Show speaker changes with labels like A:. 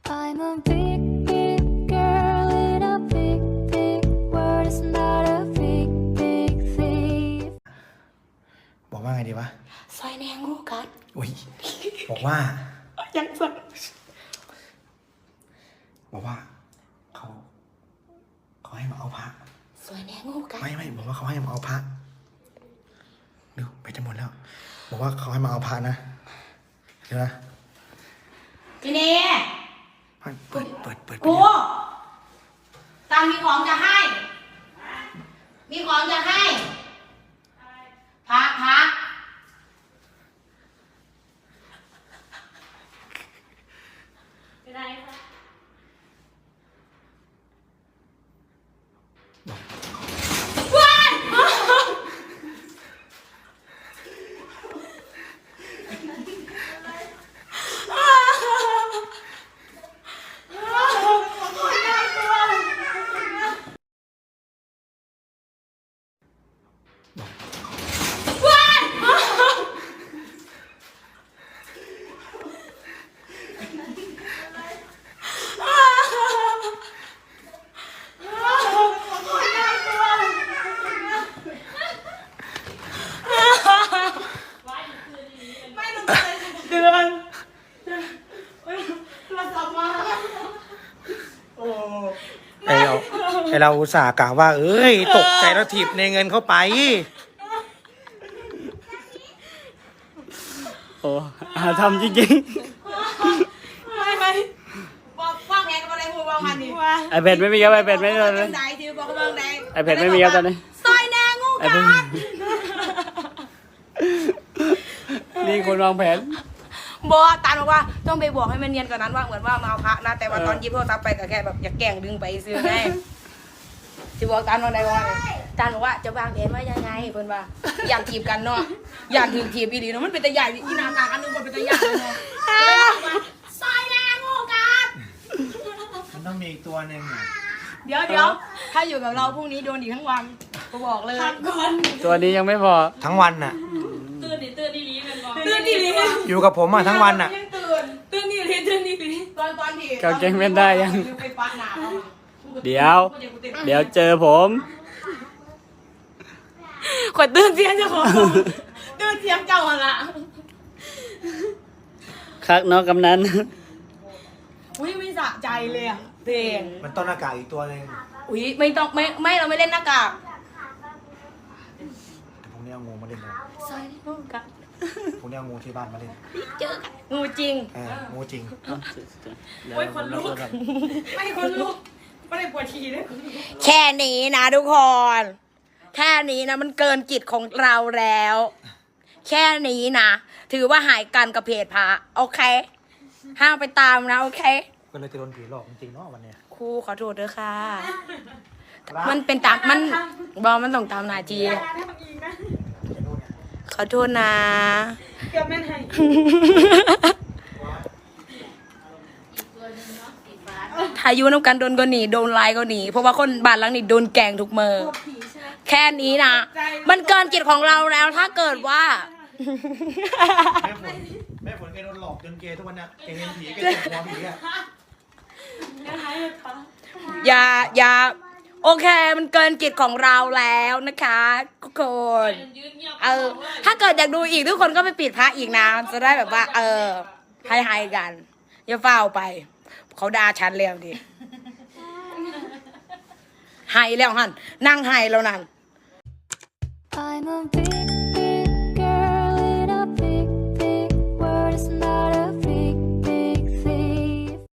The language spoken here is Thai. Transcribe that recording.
A: I'm a big, big girl in a big, big world. It's not a big, big thief.
B: บอกว่าไงดีวะ
C: ซอยแนงงูกัด
B: อุ้ยบอกว่า
C: ยังสั่น
B: บอกว่าเขาให้มาเอาพระ
C: ซอยแนงงูกัด
B: ไม่บอกว่าเขาให้มาเอาพระเดี๋ยวไปจะหมดแล้ว บอกว่าเขาให้มาเอาพระนะเดี๋ยวนะ
C: ทีนี้
B: เปิด
C: กูตามมีของจะให้ มีของจะให้พักเป็นไรคะเดือนเราสับมาโอ้
B: ไอเราอุตส่าห์กล่าวว่า เอ้ยตกใจแล้วถีบในเงินเข้าไป
D: โอ้ทำจริง
C: ไม่บอกว่างไงกับอะไรพูดว่าพันนี่
D: ๆไอแพดไม่มีครับไอแพดไม่มีเลย
C: ไหนที่บอกว่าไหน
D: ไอแพดไม่มีครับตอนนี้
C: ซอยแนงงู
D: ไอ
C: กั
D: แพด
C: ด
D: นี่คนวางแผน
C: บอกตาลบอกว่าต้องไปบอกให้มันเนียนกว่านั้นว่าเหมือนว่ามาเอาพระนะแต่ว่าตอนหยิบโทรศัพท์ไปก็แค่แบบอยากแกล้งดึงไปซื้อไงที่บอกตาลว่าไงว่าตาลบอกว่าจะวางแผนว่ายังไงเพิ่นว่าอยากถีบกันเนาะอยากถึงถีบอีหลีเนาะมันเป็นตะใหญ่อีนากาอันนึงมันเป็นตะใหญ่เนาะซอยแนงงูกัด
B: มันต้องมีอีกตัวหนึ่ง
C: เดี๋ยวถ้าอยู่กับเราพรุ่งนี้โดนอีกทั้งวันก็บอกเลยก่อน
D: ตัวนี้ยังไม่พอ
B: ทั้งวันน่ะ
C: ตื่นดีลี
B: อยู่กับผมอ่ะทั้งวันน่ะ
C: ตื่นดีลีตอนที่
D: เกาเกงเป็นได้ยัง
C: ไปปาหนา
D: เดี๋ยวเจอผม
C: ขวดตื่นเสียงเจ้าของตื่นเสียงเจ้าละ
D: คักน้องกำนัน
C: อุ้ยไม่สะใจเลยอ่ะเพลง
B: มันต้นอากาศอีกตัวหนึ่ง
C: อุ้ยไม่ต้องไม่เราไม่เล่นหน้ากาก
B: แต่ผมเนี่ยเอางูมาเล่นเลย
C: ซอยงูกัด
B: ผมเนี่ยเอางูที่บ้านมาเล่น
C: เจอกันงูจริง
B: งูจริง
D: โอ้ยคนลุก
C: ไม่คนลุกไม่ได้ปวดฉี่เลยแค่นี้นะทุกคน แค่นี้นะมันเกินจิตของเราแล้ว แค่นี้นะถือว่าหายกันกับเพจพระโอเคห้ามไปตามนะโอเค
B: ก็เลยจะโดนผีหลอกจริงๆเนาะวันเนี้ย
C: ครูขอโทษด้วยค่ะ มันเป็นตามมันบอกมันต้องตามนาจีขอโทษนะเกือบแม่นให้ถ้าอยู่น้ำกันโดนก็หนีโดนไล่ก็หนีเพราะว่าคนบ้านหลังนี้โดนแกล้งทุกมือแค่นี้นะมันเกินจิตของเราแล้วถ้าเกิดว่า
B: แม่ฝนแกโดนหลอกจนเกย์ทุกวันเนี้ยแกเห็นผีแกเจ็บหัวผีอ่ะ
C: อย่าโอเคมันเกินจิตของเราแล้วนะคะทุกคนถ้าเกิดอยากดูอีกทุกคนก็ไปปิดพระอีกนะจะได้แบบว่าให้กันอย่าเฝ้าไปเขาด่าฉันแล้วดิให้แล้วหันนั่งให้แล้วนั่น
A: I'm a big